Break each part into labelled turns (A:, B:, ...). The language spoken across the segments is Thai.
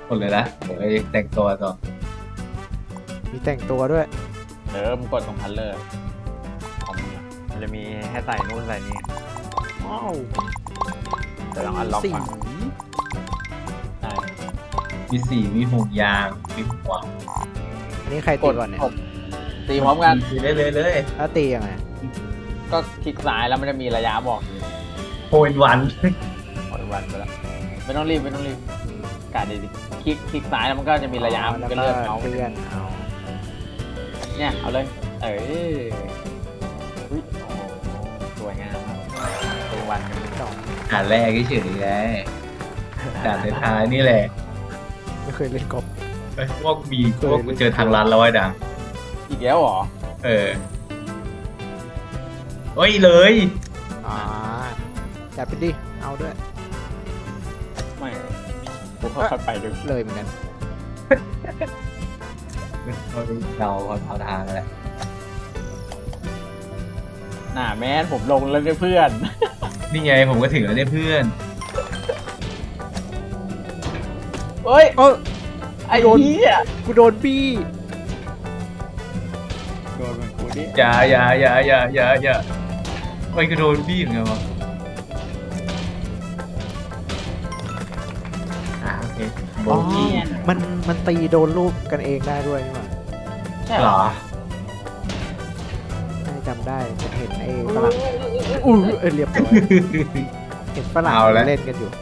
A: หมดเลยนะเดี๋ยวไปแต่งตัวต่อ
B: มีแต่งตัวด้วย
C: มึงกดตรงคัลเลอร์ของมึงอะมันจะมีให้ใส่นู่นใส่นี่
B: ว้าว
C: แต่ต้องอันล็อก
B: สี
C: ก่อนใช่
A: มีสีมีห่วงยางมีห่วง
B: อันนี้ใครตีก่อนเนี่ย
C: ตีพร้อมกัน
A: ตีได้เลย
B: ถ้าตียังไง
C: ก็คลิกซ้ายแล้วมันจะมีระยะบอก
A: โพนวัน
C: หมดวันไปแล้วไม่ต้องรีบกาดดีๆคลิกซ้ายแล้วมันก็จะมีระยะมัน
B: แล้ว
C: ก็
B: ก็
C: เลื่อนเอา
B: เลื่อนเอา
C: เนี่ยเอาเลยอุ้ยโอ้โหสวยงามครับตัววันกัน
B: สอง
A: ด่านแรกเฉยๆไงด่านท้ายๆนี่แหละ
B: ไม่เคยเล่นกอล์ฟ
A: ไอ้พวกมีพวกกูเจอทางลัดแล้วไอ้ดัง
C: อีกแล้วเหรอ
A: เออเฮ้ยเลย
B: อ่าจัดไปดิเอาด้วย
C: ไม่กูค่อยๆไปดู
B: เลยเหมือนกัน
A: เราเอาทางแหละ
C: น่าแม่นผมลงแล้วด้วยเพื่อน
A: นี่ไงผมก็ถึงแล้วเนี่ยเพื่อน
C: เฮ้ย
B: เออ
C: ไอ้เหี้ย
B: กูโดนบี้
C: โดนเหมือนกูดิ
A: อย่าไม่ก็โดนบี้เหมือนกันวะโอเคโบ
B: อ๋อ
A: กี้
B: มันตีโดนลูกกันเองได้ด้วยนี่หว่า
C: ใช่
A: เห
C: เห
A: ร
C: รอ
A: อ
B: ไม่จำได้ผมเห็นไอ้ฝรั่งเรียบร้อยเห็นฝรั่ง
A: เอาแล้ว
B: เล่นกันอยู่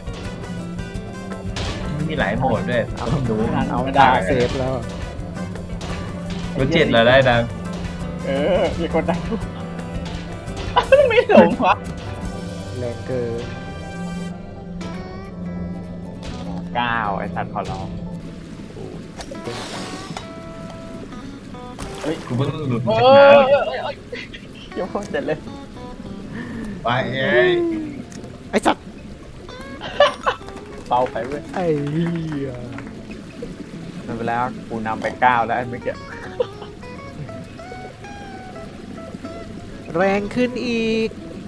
A: มีหลายโหมดด้วยต้องดู
B: เอา
C: ไม่
B: ดา
C: ได้
B: เซฟแล้ว
A: รถเจ็ดเราได้ดัง
C: มีคนได้ทุกไม่หลงวะ
B: แรงเกิน
C: 9ไอ้สัตว์ขอร้อง
A: กูเพิ่งหลุด
C: เฮ้
A: จาก
C: ย
A: น้
C: เดี๋ยวเสร็จเลย
A: ำไปเอ้ย
B: ไอ้สัตว์
C: เบาไปเว้ย
B: ไอ้เหี้ย
C: มันไปแล้วกูนำไป9แล้วไอ้เมื่อกี้
B: แรงขึ้นอีก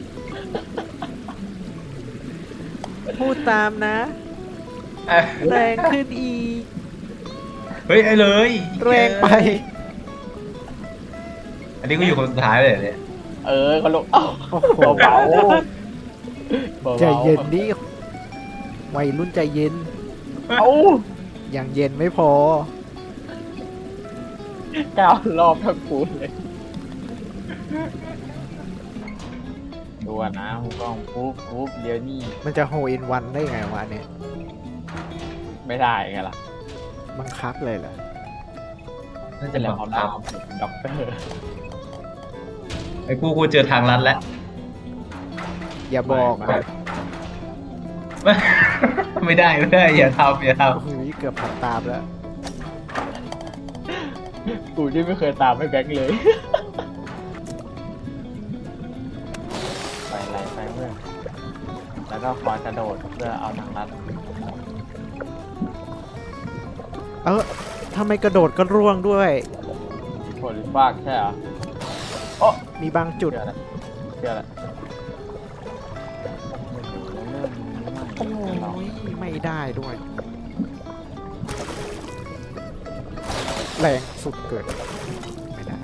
B: พูดตามนะ แรงขึ้นอีก
A: เฮ้ยไอ้เลย
B: แรงไป
A: อันนี้กูอยู่คนสุดท้ายเลยเนี่ย
C: เขาลงเอ้า
B: โอ้โห
C: เบาๆ
B: ใจเย็นดิวัยรุ่นใจเย็น
C: เอ้า
B: อย่างเย็นไม่พอ
C: 9 รอบทั้งกูเลยดูอ่ะนะหูกล้องปุ๊บเดี๋ยวนี่
B: มันจะโฮอินวันได้ไงวะเนี่ย
C: ไม่ได้ไงล่ะ
B: บังคับเลยเหรอ
A: น่าจะ
C: จะ
A: แบ
C: แล้ว
A: บ
C: เขาดาวด็อกเตอร์
A: ไอ้กูเจอทางลัดแล้ว
B: อย่าบอกนะ
A: ไม่ได้อย่าทำ
B: โอ้โหเกือบผัดตามแล้ว
C: กูที่ไม่เคยตามให้แบงค์เลย ไปไรไปเมื่อแล้วก็คอยกระโดดเพื่อเอาทางลัด
B: ทำไมกระโดดก็ร่วงด้วย
C: ผลฟากใช่เหรอโอ้
B: มีบางจุด
C: เชื่อแล้ว
B: โอ้ยไม่ได้ด้วย แรงสุดเกิด ไม่ได้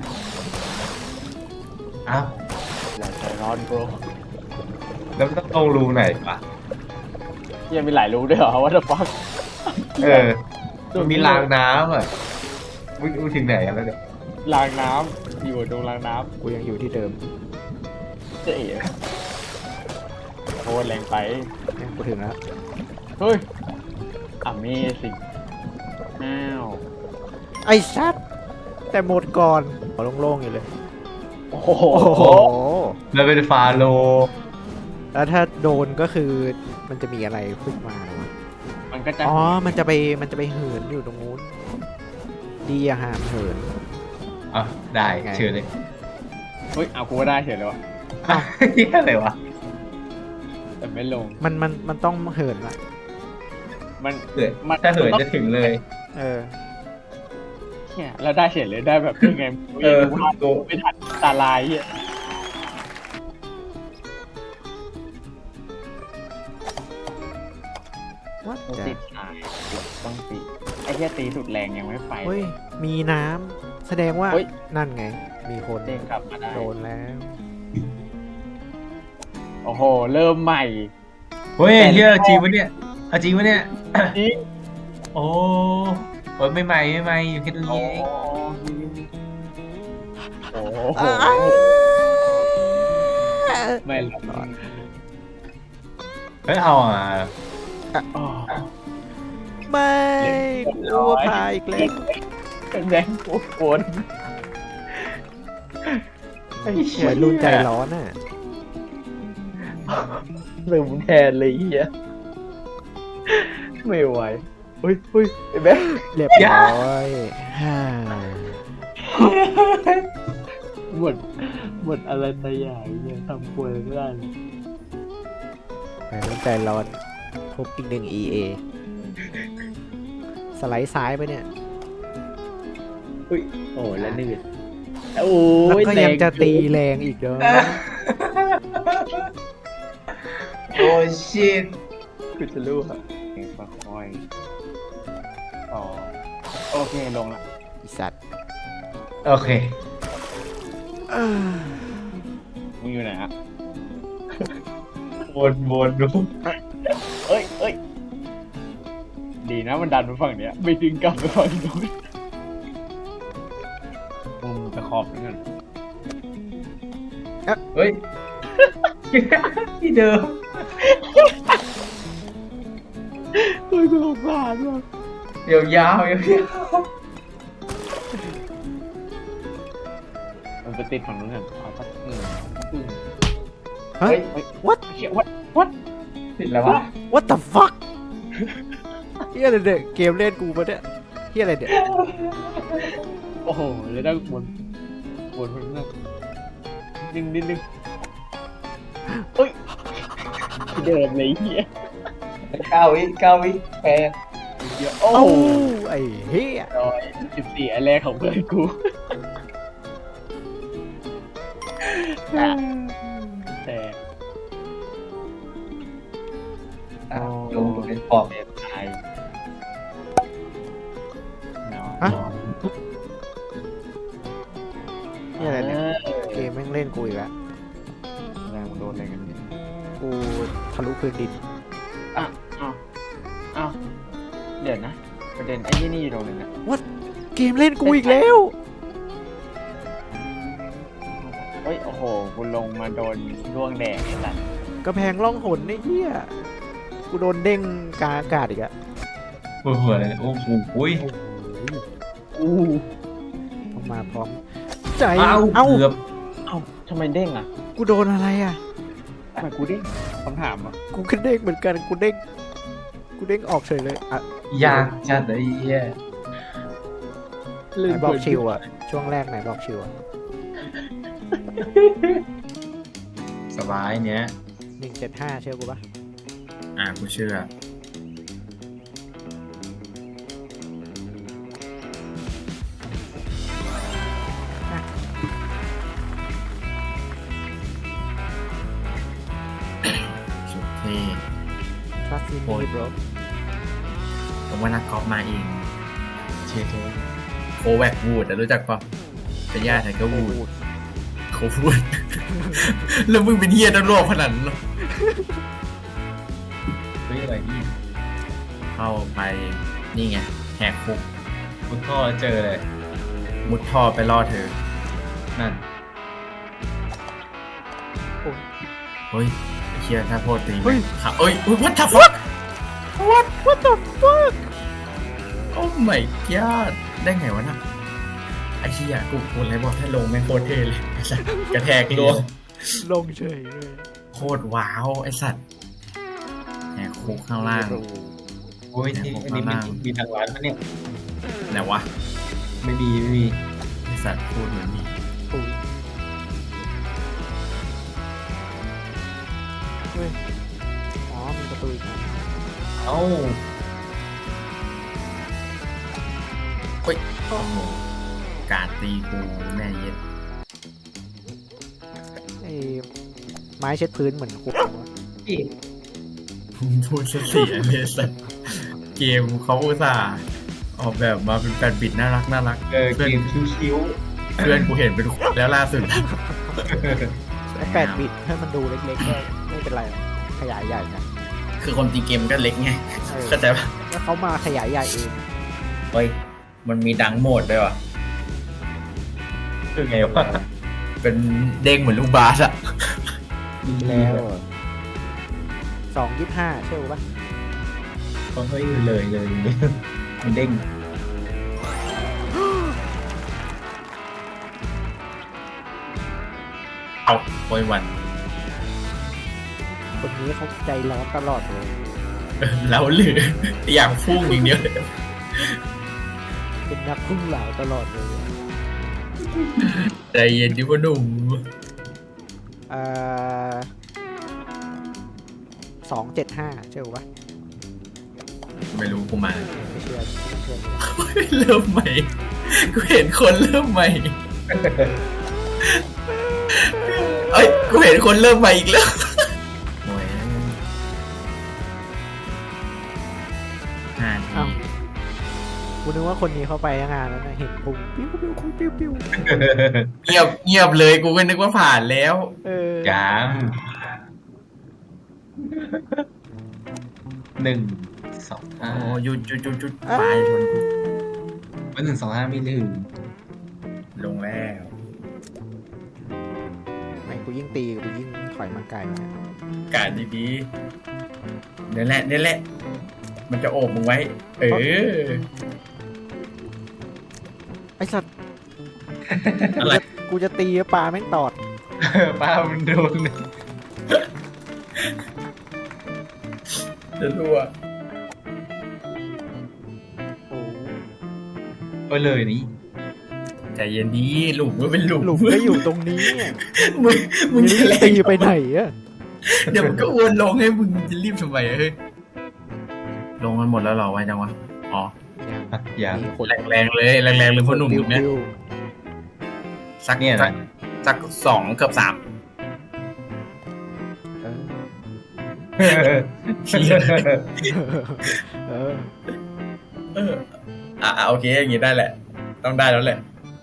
A: อ้าว
C: อย่าใจร้อนโบร
A: แล้วมันต้องลงรูไหนปะ
C: ยังมีหลายรูด้วยเหรอว่าจะฟัก
A: เออมันมีรางน้ำอ่ะวิ่งถึงไหนกันแล้วเนี่ย
C: รางน้ำอยู่ตรงรางน้
B: กูยังอยู่ที่เดิม
C: ำเจ๊โคตรแรงไป
B: เนี่ยกูถึงแล้ว
C: เฮ้ย Amazing อ้าว
B: ไอ้ชัดแต่หมดก่อนโล่งๆอยู่เลย
C: โอ้โห
B: โอ้โห
A: แล้วเป็นฟาโล
B: แล้วถ้าโดนก็คือมันจะมีอะไรขึ้นมาหรอวะ
C: มันก็จะ
B: อ๋อ มันจะไปเหินอยู่ตรงนู้น ดีอะหามเหิน
A: อ่ะได้
B: ไง
A: เชิญเลย
C: เฮ้ย เอากูก็ได้เฉยเลยวะ
A: นี่อะไรวะ
C: แต่ไม่ลง
B: มันต้องเหินอะ
C: มัน
A: เหินถ้าเหินจะถึงเลย
B: เออ
C: เนี่ยแล้วได้เฉยเลยได้แบบยังไง
A: เออ
C: วาดไม่ทันตาลายเฮีย
B: What
C: ติด
B: the
C: หายต้องตีไอ้แค่ตีสุดแรงยังไม่ไป
B: เฮ้ยมีน้ำแสดงว่า
C: เฮ้ย
B: นั่นไง มีคน
C: เด้งกลับมาได้
B: โดนแล้ว
C: โอ้โห เริ่มใหม่
A: เฮ้ยเฮียจริงวะเนี่ยเอาจริงวะเนี่ย
C: นี่
A: โอ้โอ้ยไม่ใหม่อยู่แค่ตรง
C: โอ้
A: นี้เอง
C: โหไม่หรอก
A: เฮ้ยเอาอ่ะ
C: อ๋อ
B: ไม่อัวพายอีกแล้ว
C: เป็นแดงกูโกน
B: วัยรุ่นใจร้อนอ่ะ
C: ลืมแทนเลยเฮียไม่ไหวเฮ้ยไอ้แบ๊
B: เรียบร้อยฮ่า
C: หมดอะไรตายอย่างเนี่ยทำป่วยไม่ได้
B: วัยรุ่นใจร้อนพบอีกหนึ่ง EA สไลด์ซ้ายไปเนี่ย
C: โอ้แล้วนี่โอ้
B: แล้ว
C: ย
B: ก็ยังจะตีแรงอีกเด้อ
A: โอ้ชิต
C: คือจะรู้อะค่อยอ๋อโอเคลงละ
B: อีสัตว์
A: โอเค
C: มึงอยู่ไหนฮะ
A: วนดู
C: เอ้ยดีนะมันดันไปฝั่งเนี้ยไม่ดึงกลับไปฝั่งนู้นมึงจะขอบนั่น
A: เฮ้ยที่เดิม
C: เฮ้ยกูสงสารว่ะ
A: ยาว
C: มันไปติดฝั่งนู้นกันเอาสักอึ้ง
B: ฮะ
C: เฮ้ย
B: what
C: เชี่ยวัด
A: ติดแล้ววะ
B: what the fuck เฮียอะไรเนี่ยเกมเล่นกูปะเนี่ยเฮียอะไรเนี่ย
C: โอ้โหเลยได้วนคนนั้นดึงเฮ้ยเดิมเลยเฮีย
A: 9 วิแปด
C: โอ้
B: เอ้า
C: โห
B: ไอ้เฮีย
C: 14อันแรกของเพื่อนกูแต่
A: ลงเป็นปอบ
C: ตายเนาะ
B: ฮะเฮียอะไรเนี่ยเกมแม่งเล่นกูอีกแล้ว
C: แรงมันโดนอะไรกันเนี่ย
B: กูทะลุพื้นดิน
C: อ้าวเดี๋ยวนะประเด็นไอ้นี่อยู่ตรงนึงนะ
B: เกมเล่นกูอีกแล้ว
C: เฮ้ยโอ้โหกูลงมาโดนร่วงแดงไอ้สัส
B: กระแพงล่องหนไอ้เหี้ยกูโดนเด้งกลางอากาศอีกอะ
A: ปวดหัวเลยโอ้โห
C: อู้
B: ต้องมาพร้อมใจ
A: เอ้า
B: เอ้า
A: เกือบ
C: เอ้าทำไมเด้งอ่ะ
B: กูโดนอะไรอะ
C: ทำไมกูเด้งคำถามอ่ะ
B: กูก็เด้งเหมือนกันกูเด้งออกเฉยเลยอะ
A: ยากจัดไอ้เหี้ย
B: ไหนบอกชิวอะช่วงแรกไหนบอกชิวอะ
A: สบายเนี้ย
B: 175เชื่อกูปะ
A: กูเชื่อสุดเท่
B: Trust in
A: โอ้
B: me
A: ย
B: bro
D: ผมว่านักกอล์ฟมาเอง
A: เท่เท่
D: โคแวกวูดรู้จักปะเป็นญาติไทเกอร์วูดโควูด แล้วมึงเป็นเฮียตำรวจขนาดนั้นเหรอ
A: เฮ้ยอะไรนี่
D: เข้าไปนี่ไงแหกคุก
A: คุณพ่อเจอเลย
D: มุดท่อไปล่อเธอ
A: นั่น
D: เฮ้ยไอ้เฮียถ้าโพดตี
B: เฮ้ย
D: ขาเอ้ย what the fuck
B: what the fuck
D: โอ้ my god ได้ไงวะน่ะไอ้เฮียกูเลยบอกถ้าลงแม่งโคตรเท่เลยไอ้สัสกระแทกลวง
B: ลงเฉยเลย
D: โคตรว้าวไอ้สัตว์แหกคุกข้างล่าง
A: โอ้ยที่อันนี้มีทางร้านปะเนี่ย
D: ไหนวะ
A: ไม่มี
D: ไอ้สัตว์พูดเหมือนมี
B: อุ๊ยเฮ้ยอ๋อมีประตูอีกนะ
A: เอ้า
D: โอ้โหการตีกูแม่เย็ด
B: ไอ้ไม้เช็ดพื้นเหมือนคุกเลยวะ
A: พี่
D: พูดเสียเลยสัตว์เกเกมเขาอุตส่าห์ออกแบบมาเป็น8 บิตน่ารักน่ารัก
A: เกมคิ้ว
D: เพื่อนกูเห็นเป็นแล้วล่าสุด
B: ไอ้8 บิตให้มันดูเล็กๆก็ไม่เป็นไรหรอกขยายใหญ่นะ
D: คือความจริงเกมมันก็เล็กไงเข้าใจปะ
B: แล้วเขามาขยายใหญ่เอง
D: เฮ้ยมันมีดังโหมดด้วยว่ะ
A: ๆคือไงวะ
D: เป็นเด้งเหมือนลูกบาสอะ
B: แล้ว2.25 เชื่อปะ
A: เฮ้ยเลยมันเด้ง
D: เอาโอยวัน
B: คนนี้เขาใจร้อนตลอดเลย
D: เราหรืออยากพุ่งอย่างเดียวเลย
B: เป็นนักพุ่งเหลาตลอดเลย
D: ใจเย็นดิพ่อหนุ่ม
B: 2.75 เชื่อปะ
D: ไม่รู้กูมา
B: ไม่เชื่อไม่เชื่อเลย
D: เริ่มใหม่กูเห็นคนเริ่มใหม่เอ้ยกูเห็นคนเริ่มใหม่อีกแล้วโอ้ย
B: อ้าวกูนึกว่าคนนี้เขาไปงานแล้วนะเห็นปุ่มปิ้วปิ้วปิ้วปิ้ว
D: เงียบเลยกูก็นึกว่าผ่านแล้ว
A: ยัง1 2
D: โอ้
A: 5
D: หยุดปลายชนกู
A: วัน1 2 5ไม่ลืม
D: ลงแล้ว
B: ไม่กูยิ่งตีกูยิ่งถอยมาไกลนะ
D: การดีๆนี่แหละ มันจะโอบมึงไว้
B: ไอ้สัตว์
D: อะไร
B: กูจะตีปลาแม่งตอด
A: ป้ามันโดน
D: จะรั่ว
B: โอ้
A: ก็เลยนี่
D: ใจเย็นดีหลุมก็เป็นหลุม
B: หลุมก็อยู่ตรงนี้อะ
D: มึง
B: มึง
D: จะ
B: จะ
D: แร
B: ตี
D: ง
B: ไปไหนอะ
D: เดี๋ยวมันก็วนลงให้มึงจะรีบทำไมเฮ้ยลงมันหมดแล้วเหรอไว้จังวะอ๋อ
A: ยัง
B: มีคน
D: แรงๆเลยพ่อหนุ่มตรงเนี้ย
B: บิ้ว
D: สัก
A: เนี่ยนะ
D: สัก2 เกือบ 3
B: เออ
D: เชี่ย
B: เออ
D: โอเคอย่างงี้ได้แหละ ต้องได้แล้วแหละ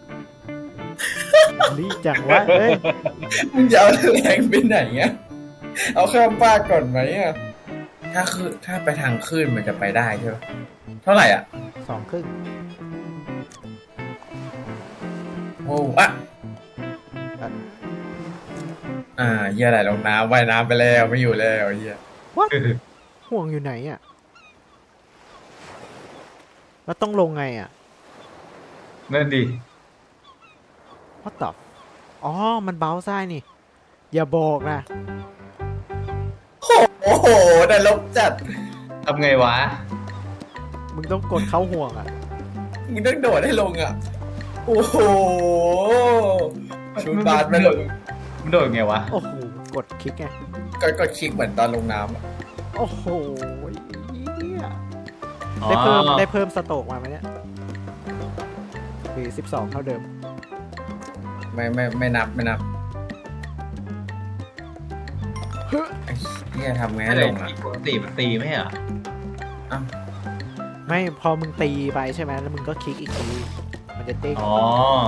B: นี่จังวะเอ้ย
D: มึงจะเอาแรงไปไหนเงี้ยเอาข้ามฟากก่อนไหมอ่ะถ้าไปทางขึ้นมันจะไปได้ใช่ไหมเท่าไหร่อ่ะ
B: 2.5
D: โอ้อะเฮียอะไรลงน้ำว่ายน้ำไปแล้วไม่อยู่แล้วเฮีย
B: ห่วงอยู่ไหนอะแล้วต้องลงไงอะ
A: นั่นดิ
B: What the อ๋อมันเบาซ้ายนี่ อย่าบอกนะ
D: โอ้โหนรกจัด
A: ทำไงวะ
B: มึงต้องกดเข้าห่วงอะ
D: มึงต้องโดดให้ลงอ่ะโอ้โหชูบาสไม่ลง
A: มันโดดไงวะ
B: โอ้โหกดคลิกไง
D: ก็คลิกเหมือนตอนลงน้ำอะ
B: โอ้โหเนี่ย
A: อ๋อ
B: ได้เพิ่มสโตรกมาไหมเนี่ยหรือ12 เท่าเดิม
D: ไม่นับไอ้เฮียทำไงให้
A: อะไร
D: ลงอ่ะ
A: ปกติมันตีไหมอ่ะ
D: อ้าว
B: ไม่พอมึงตีไปใช่ไหมแล้วมึงก็คลิกอีกทีมันจะเด้ง
A: อ๋อ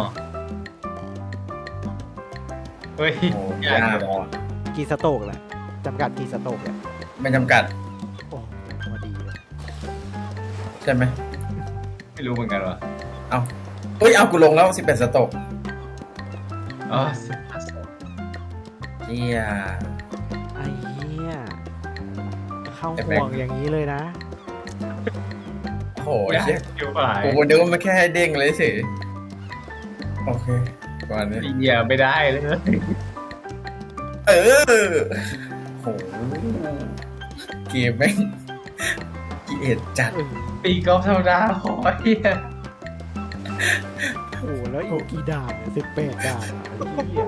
A: เฮ้ย
D: โอ้
A: ยาก
D: ยาก
A: เลย
D: พอ
B: กี่สโตรกแหละจำกัดกี่สโตรกเนี่ย
D: ไม่จำกัด
B: โอ้พอดีเลย
D: ใช่ไหม
A: ไม่รู้เหมือนกันวะ
D: เอากูลงแล้ว11 สต็อก
A: อ๋อ
D: เฮีย
B: ไอ้เหี้ยเข้า
D: ไอ้
B: ห่
D: แม็ก
B: วงอย่างนี้เลยนะ
D: โอ้โห
A: ยาก
D: เฮีย
A: เกี่ยวฝ่าย
D: กูนึกว่ามันแค่ให้เด้งเลยสิโอเคประมาณนี้
A: เหยียบไม่ได้เลย
D: โหเกมแม่งกิเลสจัด
A: ตีกอล์ฟธรรมดาพอเฮีย
B: โอ้โหแล้วอีกกี่ด่านเนี่ย18 ด่านอะไอ้เหี้ย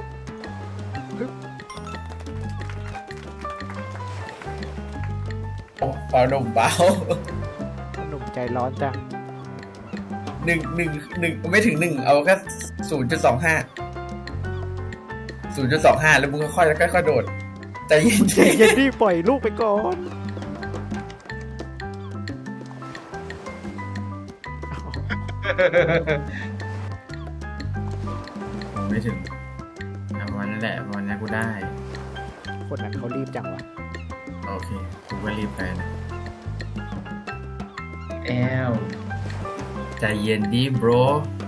D: เบาหนุ่มเบา
B: หนุ่มใจร้อนจัง
D: หนึ่งไม่ถึง 1เอาแค่0.25แล้วมึงค่อยๆโดดใจเย็น
B: เย็นดิปล่อยลูกไปก่อน
D: ผมไม่ถึงวันนั้นแหละวันนี้กูได้
B: คนนั้นเขารีบจังวะ
D: โอเค กูก็รีบไปนะ
A: แอล
D: ใจเย็นดิ bro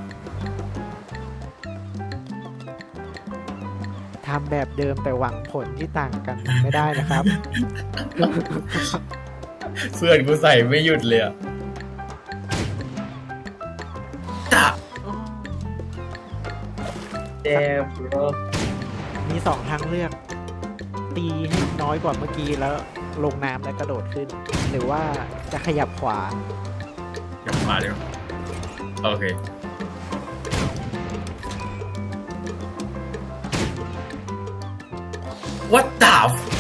B: ทำแบบเดิมแต่หวังผลที่ต่างกันไม่ได้นะครับ
D: เพื่อนกูใส่ไม่หยุดเลยอะจ้ะ
A: แอลบร
B: มีสองทางเลือก ตีให้น้อยกว่าเมื่อกี้แล้วลงน้ำแล้วกระโดดขึ้น หรือว่าจะขยับขวา
D: เดี๋ยวมาเดี๋ยวโอเค What the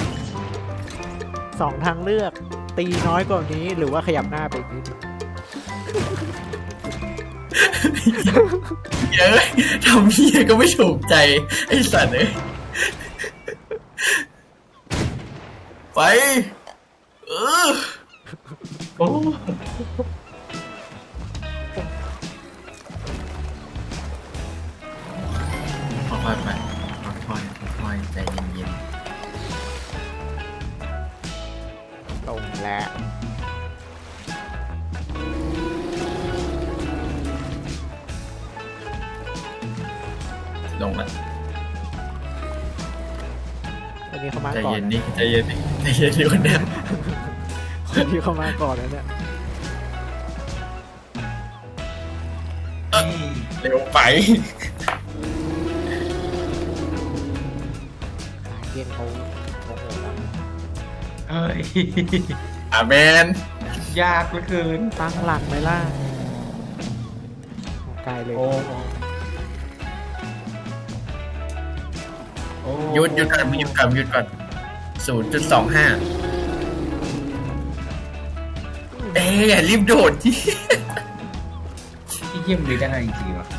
B: สองทางเลือก ตีน้อยกว่านี้ หรือว่าขยับหน้าไปอีกนิดนึง
D: เยอะทำเฮียก็ไม่ถูกใจ ไอ้สัตว์เอ้ยไป
A: โอ้
D: ค่อยๆไปค่อยๆใจเย็น
B: ตรงแล้ว
D: ๆลงละ
B: วันนี้เขามา
D: ใจ
B: ก่อน
D: เย็น
B: นะ
D: ดิใจเย็นดิใจเย็นดิคนเนี้ย
B: คนที่เขามาก่อนแล้วเนี่ย
D: เร็วไป
B: ขาเย็นเขาโอ้โหแล้ว
A: เฮ้ย
D: อาเมน
A: ยากเหลือเกิน
B: ตั้งหลักไหมล่ะไกลเลย
A: โอ้โอ้
D: หยุดก่อนหยุดก่อน 0.25 เอ๊ะอย่ารีบโดดที่
A: ที่เยี่ยมเลยได้จริงๆวะ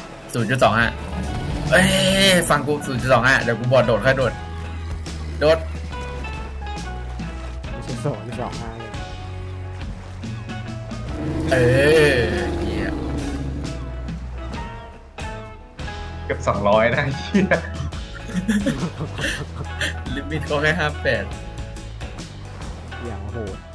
D: 0.25 เอ้ยฟังกู 0.25 เดี๋ยวกูบอกโดดค่อยโดด โดด
B: ไม่ใช่2.25เลย
D: เออเยี่ยม
A: เกือบ200นะเชี่ย
D: ลิมิตก็แค่58
B: อย่างโหด